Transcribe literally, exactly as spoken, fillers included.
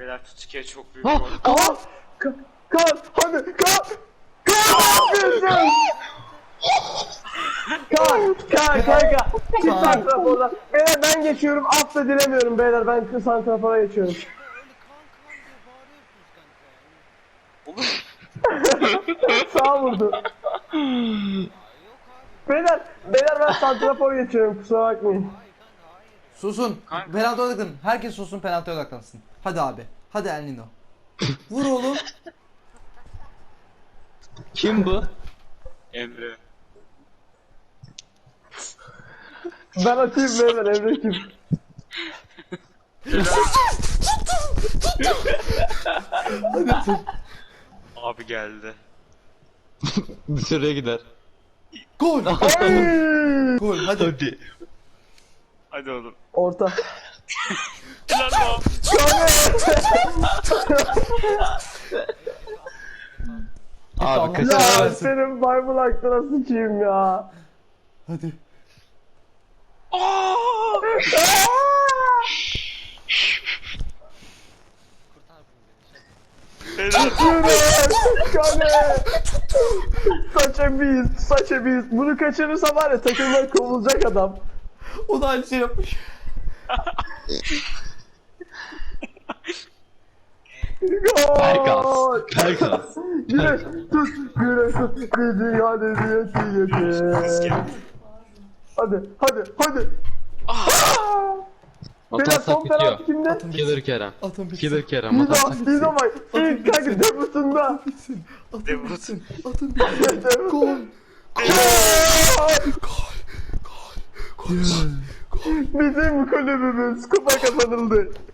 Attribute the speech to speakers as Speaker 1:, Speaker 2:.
Speaker 1: Beyler Tutsuki'ye çok büyük
Speaker 2: Ha,
Speaker 1: gol.
Speaker 2: Kaan!
Speaker 3: Ka Kaan hadi Kaan! Kaan ne yapıyorsun? Kaan! Kaan kanka! Git santrafora. Beyler ben geçiyorum. Af da dilemiyorum beyler. Ben santrafora geçiyorum. Sağ vurdu. Beyler, beyler ben santrafor geçiyorum. Kusura bakmayın.
Speaker 4: Susun.
Speaker 1: Kanka.
Speaker 4: Penaltı odaklanın. Herkes susun, penaltıya odaklansın. Hadi abi. Hadi El Nino. Vur oğlum.
Speaker 2: Kim bu?
Speaker 1: Emre.
Speaker 3: Ben atayım beyler. Emre kim?
Speaker 1: Abi geldi.
Speaker 2: Dışarıya gider.
Speaker 4: Gol.
Speaker 3: Ay!
Speaker 4: Gol. Hadi.
Speaker 2: Hadi.
Speaker 1: Hadi oğlum.
Speaker 3: Orta.
Speaker 1: Helal o.
Speaker 2: Abi
Speaker 4: Tamam.
Speaker 2: kaçar
Speaker 3: Ya
Speaker 2: versin.
Speaker 3: senin maymun aklına sıçayım ya.
Speaker 4: Hadi.
Speaker 1: Beyler.
Speaker 3: Kale. Saça biz, saça biz. Bunu kaçırırsa var ya takımdan kovulacak adam.
Speaker 4: O da aynı şey yapmış.
Speaker 3: Gol.
Speaker 2: Pelkas. Pelkas.
Speaker 3: Güneş tut, güneş tut. Bir dünya hediyesi getir. Hadi, hadi, hadi. Beyler
Speaker 2: Atarsak
Speaker 3: son
Speaker 2: bitiyor.
Speaker 3: penaltı kimde?
Speaker 4: Atın
Speaker 2: Killer
Speaker 4: bitsin.
Speaker 2: Kerem.
Speaker 4: Atın bitsin.
Speaker 2: Killer Kerem.
Speaker 3: Lido,
Speaker 2: Atarsak
Speaker 3: Lido bak. İlk kanka debutunda.
Speaker 4: Atın bitsin. Atın
Speaker 1: Debut.
Speaker 4: bitsin. Atın bitsin. Gol.
Speaker 3: Bizim kulübümüz kupa kazanıldı.